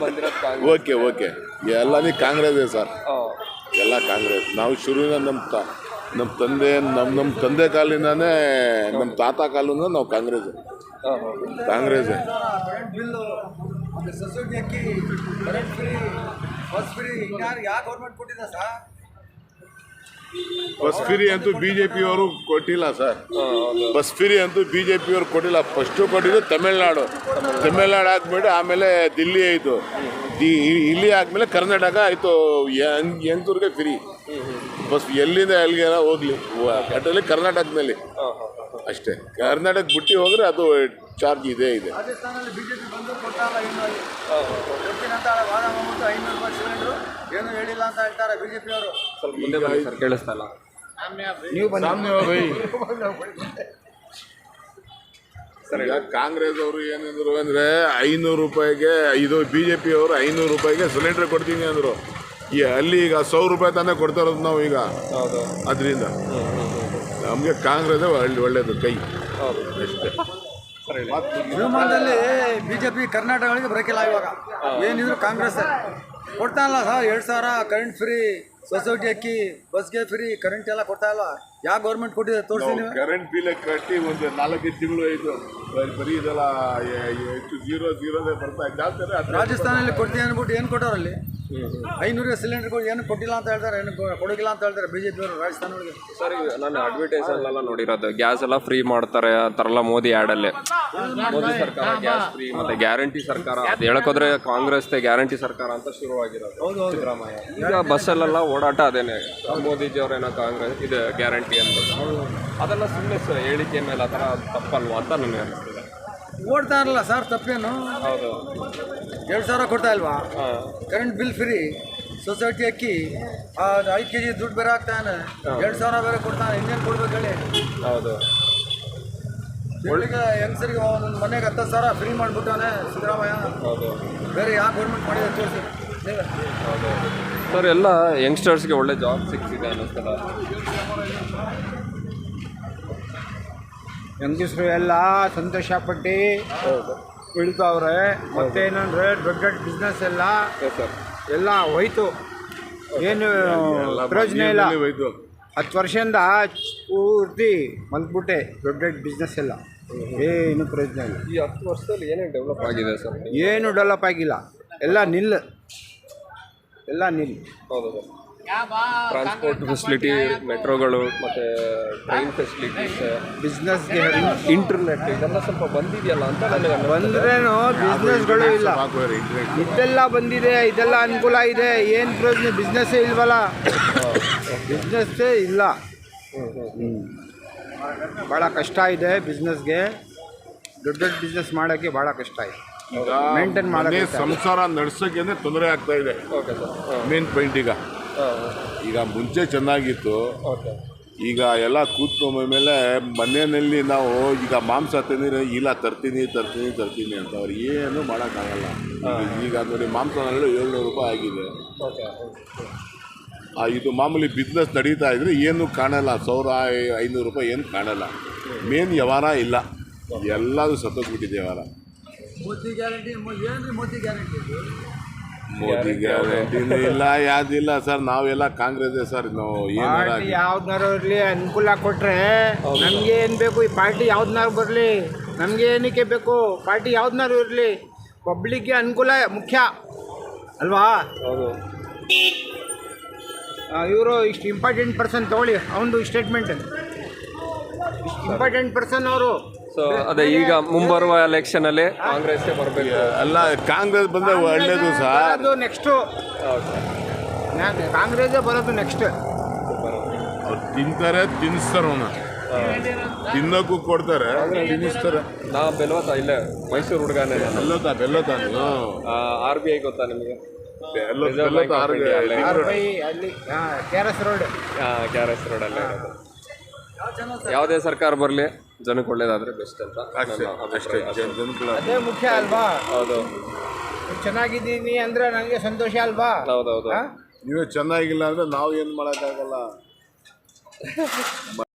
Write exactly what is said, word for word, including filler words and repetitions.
Okay okay ಎಲ್ಲನೇ ಕಾಂಗ್ರೆಸ್ಸೇ sir. ಎಲ್ಲ ಕಾಂಗ್ರೆಸ್. ನಾವು ಶುರುವಿನ ನಮ್ಮ ತ ನಮ್ಮ ತಂದೆ ನಮ್ಮ ನಮ್ಮ ತಂದೆ ಕಾಲಿಂದಾನೇ ನಮ್ಮ ತಾತ ಕಾಲಿಂದ ನಾವು ಕಾಂಗ್ರೆಸ್ ಕಾಂಗ್ರೆಸ್ಸೇ. ಬಸ್ ಫ್ರೀ ಅಂತೂ ಬಿ ಜೆ ಪಿಯವರು ಕೊಟ್ಟಿಲ್ಲ ಸರ್. ಬಸ್ ಫ್ರೀ ಅಂತೂ ಬಿ ಜೆ ಪಿಯವರು ಕೊಟ್ಟಿಲ್ಲ. ಫಸ್ಟು ಕೊಟ್ಟಿದ್ದು ತಮಿಳ್ನಾಡು. ತಮಿಳ್ನಾಡು ಆದ್ಮೇಲೆ ಆಮೇಲೆ ದಿಲ್ಲಿ ಆಯಿತು. ಇಲ್ಲಿ ಆದಮೇಲೆ ಕರ್ನಾಟಕ ಆಯಿತು. ಯಂಗ್ತೂರಿಗೆ ಫ್ರೀ ಬಸ್ ಎಲ್ಲಿಂದ ಎಲ್ಲಿಗೆಲ್ಲ ಹೋಗ್ಲಿ ಒಟ್ಟಲ್ಲಿ ಕರ್ನಾಟಕದಲ್ಲಿ ಅಷ್ಟೇ. ಕರ್ನಾಟಕ ಬಿಟ್ಟು ಹೋದರೆ ಅದು ಚಾರ್ಜ್ ಇದೆ ಇದೆ. ಈಗ ಕಾಂಗ್ರೆಸ್ ಅವರು ಏನಿದ್ರು ಅಂದರೆ ಐನೂರು ರೂಪಾಯಿಗೆ ಇದು ಬಿ ಜೆ ಪಿ ಅವರು ಐನೂರು ರೂಪಾಯಿಗೆ ಸಿಲಿಂಡರ್ ಕೊಡ್ತೀನಿ ಅಂದರು. ಈ ಅಲ್ಲಿ ಈಗ ಸಾವಿರ ರೂಪಾಯಿ ತಾನೇ ಕೊಡ್ತಾ ಇರೋದು ನಾವು ಈಗ. ಅದರಿಂದ ನಮಗೆ ಕಾಂಗ್ರೆಸ್ ಒಳ್ಳೆಯದು ಕೈ ಅಷ್ಟೇ. ಶಿವಮೊಗ್ಗದಲ್ಲಿ ಬಿಜೆಪಿ ಕರ್ನಾಟಕಗಳಿಗೆ ಬರೋಕಿಲ್ಲ. ಇವಾಗ ಏನಿದ್ರು ಕಾಂಗ್ರೆಸ್ ಕೊಡ್ತಾ ಇಲ್ಲ ಸರ್. ಎರಡು ಸಾವಿರ ಕರೆಂಟ್ ಫ್ರೀ, ಸೊಸೈಟಿ ಅಕ್ಕಿ, ಬಸ್ಗೆ ಫ್ರೀ, ಕರೆಂಟ್ ಎಲ್ಲ ಕೊಡ್ತಾ ಇಲ್ಲ. ಯಾವ ಗೌರ್ಮೆಂಟ್ ಕೊಟ್ಟಿದೆ ತೋರಿಸಿ ನೀವು. ಕರೆಂಟ್ ಬಿಲ್ ಕಟ್ಟಿ ಒಂದು ನಾಲ್ಕೈದು ತಿಂಗಳು ಆಯಿತು. ಬರೀ ಇದೆಲ್ಲ ಎಷ್ಟು ಜೀರೋ ಜೀರೋದೇ ಬರ್ತಾ ಜಾಸ್ತಿ. ರಾಜಸ್ಥಾನಲ್ಲಿ ಕೊಡ್ತೀವಿ ಅಂದ್ಬಿಟ್ಟು ಏನು ಕೊಟ್ಟವ್ರಲ್ಲಿ ಐನೂರು ಸಿಲಿಂಡರ್ಗಳು ಏನು ಕೊಟ್ಟಿಲ್ಲ ಅಂತ ಹೇಳ್ತಾರೆ, ಏನು ಕೊಡೋಗಿಲ್ಲ ಅಂತ ಹೇಳ್ತಾರೆ ಬಿ ಜೆ ಪಿಯವರು ರಾಜಸ್ಥಾನಗಳಿಗೆ. ಸರ್ ಈಗ ನಾನು ಅಡ್ವರ್ಟೈಸಲ್ಲೆಲ್ಲ ನೋಡಿರೋದು ಗ್ಯಾಸ್ ಎಲ್ಲ ಫ್ರೀ ಮಾಡ್ತಾರೆ ಆ ಥರ ಎಲ್ಲ ಮೋದಿ ಆ್ಯಡಲ್ಲೇ. ಮೋದಿ ಸರ್ಕಾರ ಗ್ಯಾಸ್ ಫ್ರೀ ಮತ್ತು ಗ್ಯಾರಂಟಿ ಸರ್ಕಾರ ಅದು ಹೇಳೋಕೋದ್ರೆ ಕಾಂಗ್ರೆಸ್ದೇ ಗ್ಯಾರಂಟಿ ಸರ್ಕಾರ ಅಂತ ಶುರುವಾಗಿರೋದು ಸಿದ್ದರಾಮಯ್ಯ. ಈಗ ಬಸ್ಸಲ್ಲೆಲ್ಲ ಓಡಾಟ ಅದೇನೆ ಮೋದಿಜಿಯವರೇನೋ ಕಾಂಗ್ರೆಸ್ ಇದು ಗ್ಯಾರಂಟಿ ಅಂತ. ಅದೆಲ್ಲ ಸುಮ್ಮನೆ ಹೇಳಿಕೆ ಮೇಲೆ ಆ ಥರ ತಪ್ಪಲ್ವಾ ಅಂತ ನನಗೆ ಅನಿಸ್ತದೆ. ಓಡ್ತಾ ಇರಲ್ಲ ಸರ್, ತಪ್ಪೇನು. ಹೌದು, ಎರಡು ಸಾವಿರ ಕೊಡ್ತಾ ಇಲ್ವಾ? ಕರೆಂಟ್ ಬಿಲ್ ಫ್ರೀ, ಸೊಸೈಟಿ ಅಕ್ಕಿ, ಐದು ಕೆ ಜಿ ದುಡ್ಡು ಬೇರೆ ಆಗ್ತಾನೆ, ಎರಡು ಸಾವಿರ ಬೇರೆ ಕೊಡ್ತಾನೆ. ಇನ್ನೇನು ಕೊಡ್ಬೇಕು ಹೇಳಿ? ಹೌದು, ಒಳ್ಳೆಗೆ ಹೆಂಗಸರಿಗೆ ಒಂದು ಮನೆಗೆ ಹತ್ತು ಸಾವಿರ ಫ್ರೀ ಮಾಡಿಬಿಟ್ಟಾನೆ ಸಿದ್ದರಾಮಯ್ಯ. ಹೌದು, ಬೇರೆ ಯಾವ ಗೌರ್ಮೆಂಟ್ ಮಾಡಿದೆ ತೋರಿಸಿ ನೀವೇ. ಹೌದು ಸರ್, ಎಲ್ಲ ಯಂಗ್ಸ್ಟರ್ಸ್ಗೆ ಒಳ್ಳೆ ಜಾಬ್ ಸಿಕ್ತಿದೆ ಅನ್ನಿಸ್ತಲ್ಲ. ಯಂಗಸ್ರು ಎಲ್ಲ ಸಂತೋಷಪಟ್ಟು ಉಳಿತಾವ್ರೆ. ಮತ್ತೇನಂದರೆ ದೊಡ್ಡ ದೊಡ್ಡ ಬಿಸ್ನೆಸ್ ಎಲ್ಲ ಎಲ್ಲ ಹೋಯ್ತು, ಏನು ಪ್ರಯೋಜನ ಇಲ್ಲ. ಹತ್ತು ವರ್ಷದಿಂದ ಪೂರ್ತಿ ಮಲ್ತ್ಬಿಟ್ಟೆ ದೊಡ್ಡ ದೊಡ್ಡ ಬಿಸ್ನೆಸ್ ಎಲ್ಲ, ಏನು ಪ್ರಯೋಜನ ಇಲ್ಲ. ಈ ಹತ್ತು ವರ್ಷದಲ್ಲಿ ಏನೇನು ಡೆವಲಪ್ ಆಗಿದೆ ಸರ್? ಏನು ಡೆವಲಪ್ ಆಗಿಲ್ಲ, ಎಲ್ಲ ನಿಲ್ ಎಲ್ಲ ನಿಲ್. ಹೌದು ಸರ್, ಟ್ರಾನ್ಸ್ಪೋರ್ಟ್ ಫೆಸಿಲಿಟಿ, ಮೆಟ್ರೋಗಳು ಮತ್ತು ಟ್ರೈನ್ ಫೆಸಿಲಿಟೀಸ್, ಬಿಸ್ನೆಸ್ಗೆ ಇಂಟರ್ನೆಟ್ ಇದೆಲ್ಲ ಸ್ವಲ್ಪ ಬಂದಿದೆಯಲ್ಲ ಅಂತ ನನಗೆ. ಬಂದ್ರೇನು ಬಿಸ್ನೆಸ್ಗಳು ಇಲ್ಲ, ಇದೆಲ್ಲ ಬಂದಿದೆ, ಇದೆಲ್ಲ ಅನುಕೂಲ ಇದೆ. ಏನು ಪ್ರಯೋಜನ? ಬಿಸ್ನೆಸ್ಸೇ ಇಲ್ವಲ್ಲ, ಬಿಸ್ನೆಸ್ಸೇ ಇಲ್ಲ. ಹ್ಞೂ ಭಾಳ ಕಷ್ಟ ಇದೆ ಬಿಸ್ನೆಸ್ಗೆ. ದೊಡ್ಡ ದೊಡ್ಡ ಬಿಸ್ನೆಸ್ ಮಾಡೋಕ್ಕೆ ಭಾಳ ಕಷ್ಟ ಇದೆ. ಮೇಂಟೈನ್ ಮಾಡೋಕ್ಕೆ, ಸಂಸಾರ ನಡೆಸೋಕ್ಕೆ ತೊಂದರೆ ಆಗ್ತಾ ಇದೆ. ಓಕೆ ಸರ್, ಮೇನ್ ಪಾಯಿಂಟ್ ಈಗ ಈಗ ಮುಂಚೆ ಚೆನ್ನಾಗಿತ್ತು. ಈಗ ಎಲ್ಲ ಕೂತ್ಕೊಂಡ ಮೇಲೆ ಮನೆಯಲ್ಲಿ ನಾವು ಈಗ ಮಾಂಸ ತಿಂದರೆ ಇಲ್ಲ ತರ್ತೀನಿ ತರ್ತೀನಿ ತರ್ತೀನಿ ಅಂತ ಅವ್ರು ಏನು ಮಾಡೋಕ್ಕಾಗಲ್ಲ. ಈಗ ನೋಡಿ ಮಾಂಸನಲ್ಲೂ ಏಳ್ನೂರು ರೂಪಾಯಿ ಆಗಿದೆ. ಇದು ಮಾಮೂಲಿ ಬಿಸ್ನೆಸ್ ನಡೀತಾ ಇದ್ರೆ ಏನು ಕಾಣಲ್ಲ, ಸಾವಿರ ಐನೂರು ರೂಪಾಯಿ ಏನು ಕಾಣಲ್ಲ. ಮೇನ್ ವ್ಯವಹಾರ ಇಲ್ಲ, ಎಲ್ಲದೂ ಸತ್ತೋಗ್ಬಿಟ್ಟಿದೆ ವ್ಯವಹಾರ. ಮೋದಿ ಗ್ಯಾರಂಟಿ ಏನು? ಮೋದಿ ಗ್ಯಾರಂಟಿ ಮೋದಿ ಗ್ಯಾರಂಟಿನೂ ಇಲ್ಲ, ಯಾವುದಿಲ್ಲ ಸರ್. ನಾವೆಲ್ಲ ಕಾಂಗ್ರೆಸ್ಸೇ ಸರ್. ನಾವು ಏನು ಯಾವ್ದನ್ನಾರು ಇರಲಿ ಅನುಕೂಲ ಕೊಟ್ಟರೆ ನಮಗೆ ಏನು ಬೇಕು? ಈ ಪಾರ್ಟಿ ಯಾವ್ದನ್ನಾರು ಬರಲಿ, ನಮಗೆ ಏನಕ್ಕೆ ಬೇಕು? ಪಾರ್ಟಿ ಯಾವ್ದನ್ನಾರು ಇರಲಿ, ಪಬ್ಲಿಕ್ಗೆ ಅನುಕೂಲ ಮುಖ್ಯ ಅಲ್ವಾ? ಹೌದು, ಇವರು ಇಷ್ಟು ಇಂಪಾರ್ಟೆಂಟ್ ಪರ್ಸನ್ ತೊಗೊಳ್ಳಿ, ಅವನದು ಸ್ಟೇಟ್ಮೆಂಟ್. ಇಂಪಾರ್ಟೆಂಟ್ ಪರ್ಸನ್ ಅವರು. ಸೊ ಅದೇ ಈಗ ಮುಂಬರುವ ಎಲೆಕ್ಷನ್ ಅಲ್ಲಿ ಕಾಂಗ್ರೆಸ್ ಬರಬೇಕು. ಅಲ್ಲ, ಕಾಂಗ್ರೆಸ್ ಬಂದರೆ ಒಳ್ಳೇದು ಸರ್. ಅದು ನೆಕ್ಸ್ಟು ಕಾಂಗ್ರೆಸ್ಸೇ ಬರೋದು ನೆಕ್ಸ್ಟ್. ಅವ್ರು ತಿಂತಾರೆ, ತಿನ್ನಿಸ್ತಾರೆ, ಅವನ್ನ ತಿನ್ನೋಕ್ಕೂ ಕೊಡ್ತಾರೆ, ತಿನ್ನಿಸ್ತಾರೆ. ನಾ ಬೆಲ್ವತ ಇಲ್ಲೇ ಮೈಸೂರು ಹುಡುಗನೇ. ಬೆಲ್ಲೋತ ಬೆಲ್ಲೋತ ಆರ್ ಬಿ ಐ ಗೊತ್ತಾ ನಿಮಗೆ? K R S road, K R S ರೋಡಲ್ಲೇ. ಯಾವುದೇ ಸರ್ಕಾರ ಬರಲಿ ಜನಕ್ಕೆ ಒಳ್ಳೇದಾದ್ರೆ ಬೆಸ್ಟ್ ಅಂತ ಅದೇ ಮುಖ್ಯ ಅಲ್ವಾ? ಹೌದು, ಚೆನ್ನಾಗಿದ್ದೀನಿ ಅಂದ್ರೆ ನನಗೆ ಸಂತೋಷ ಅಲ್ವಾ? ಹೌದೌದು. ನೀವೇ ಚೆನ್ನಾಗಿಲ್ಲ ಅಂದ್ರೆ ನಾವು ಏನು ಮಾಡೋಕ್ಕಾಗಲ್ಲ.